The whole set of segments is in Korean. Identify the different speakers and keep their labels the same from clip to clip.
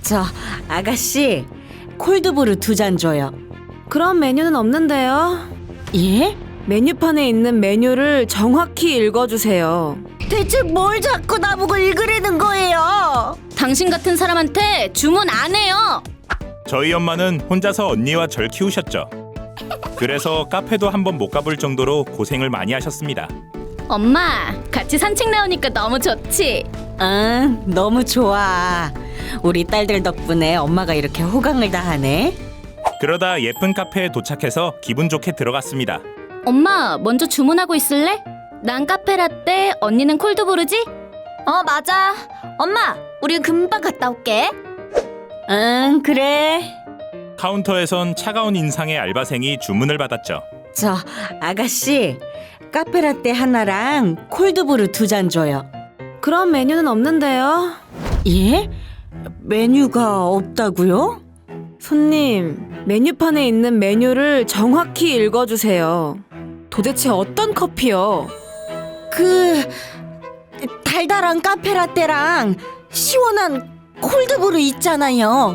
Speaker 1: 저 아가씨 콜드브루 2잔 줘요. 그런 메뉴는 없는데요. 예? 메뉴판에 있는 메뉴를 정확히 읽어주세요. 대체 뭘 자꾸 나보고 읽으라는 거예요?
Speaker 2: 당신 같은 사람한테 주문 안 해요.
Speaker 3: 저희 엄마는 혼자서 언니와 절 키우셨죠. 그래서 카페도 한번 못 가볼 정도로 고생을 많이 하셨습니다.
Speaker 2: 엄마, 같이 산책 나오니까 너무 좋지?
Speaker 1: 응, 너무 좋아. 우리 딸들 덕분에 엄마가 이렇게 호강을 다 하네.
Speaker 3: 그러다 예쁜 카페에 도착해서 기분 좋게 들어갔습니다.
Speaker 2: 엄마, 먼저 주문하고 있을래? 난 카페라떼, 언니는 콜드브루지?
Speaker 4: 맞아. 엄마, 우리 금방 갔다 올게.
Speaker 1: 응, 그래.
Speaker 3: 카운터에선 차가운 인상의 알바생이 주문을 받았죠.
Speaker 1: 저 아가씨 카페라떼 하나랑 콜드브루 2잔 줘요. 그런 메뉴는 없는데요. 예? 메뉴가 없다고요? 손님, 메뉴판에 있는 메뉴를 정확히 읽어주세요. 도대체 어떤 커피요? 달달한 카페라떼랑 시원한 콜드브루 있잖아요.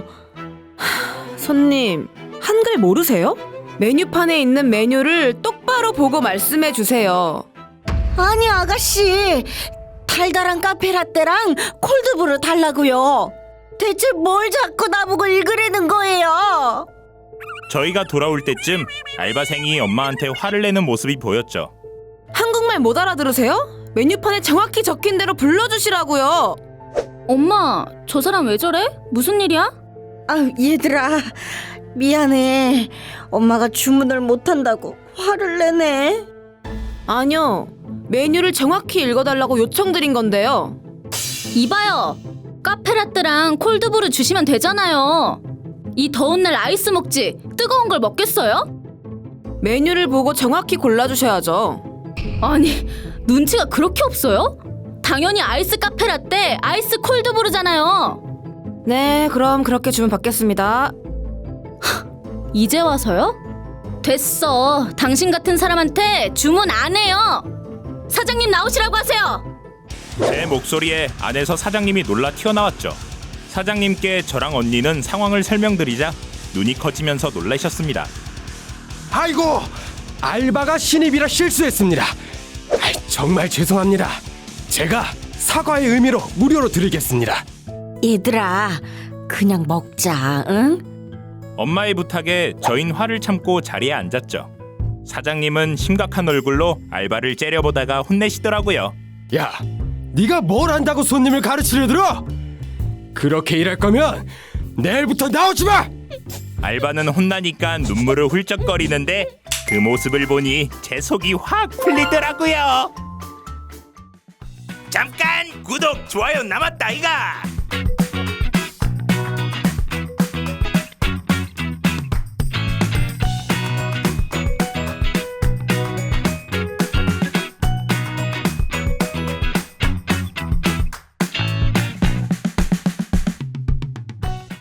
Speaker 1: 손님, 한글 모르세요? 메뉴판에 있는 메뉴를 똑바로 보고 말씀해 주세요. 아니 아가씨, 달달한 카페라떼랑 콜드브루 달라고요. 대체 뭘 자꾸 나보고 읽으라는 거예요?
Speaker 3: 저희가 돌아올 때쯤 알바생이 엄마한테 화를 내는 모습이 보였죠.
Speaker 1: 한국말 못 알아들으세요? 메뉴판에 정확히 적힌 대로 불러주시라고요.
Speaker 2: 엄마, 저 사람 왜 저래? 무슨 일이야?
Speaker 1: 아, 얘들아 미안해. 엄마가 주문을 못한다고 화를 내네. 아니요, 메뉴를 정확히 읽어달라고 요청드린 건데요.
Speaker 2: 이봐요, 카페라떼랑 콜드브루 주시면 되잖아요. 이 더운 날 아이스 먹지 뜨거운 걸 먹겠어요?
Speaker 1: 메뉴를 보고 정확히 골라주셔야죠.
Speaker 2: 아니, 눈치가 그렇게 없어요? 당연히 아이스 카페라떼, 아이스 콜드브루잖아요.
Speaker 1: 네, 그럼 그렇게 주문 받겠습니다.
Speaker 2: 이제 와서요? 됐어. 당신 같은 사람한테 주문 안 해요. 사장님 나오시라고 하세요.
Speaker 3: 제 목소리에 안에서 사장님이 놀라 튀어나왔죠. 사장님께 저랑 언니는 상황을 설명드리자 눈이 커지면서 놀라셨습니다.
Speaker 5: 아이고, 알바가 신입이라 실수했습니다. 정말 죄송합니다. 제가 사과의 의미로 무료로 드리겠습니다.
Speaker 1: 얘들아, 그냥 먹자, 응?
Speaker 3: 엄마의 부탁에 저흰 화를 참고 자리에 앉았죠. 사장님은 심각한 얼굴로 알바를 째려보다가 혼내시더라고요.
Speaker 5: 야, 네가 뭘 안다고 손님을 가르치려 들어? 그렇게 일할 거면 내일부터 나오지 마!
Speaker 3: 알바는 혼나니까 눈물을 훌쩍거리는데 그 모습을 보니 제 속이 확 풀리더라고요. 잠깐 구독, 좋아요 남았다 이가.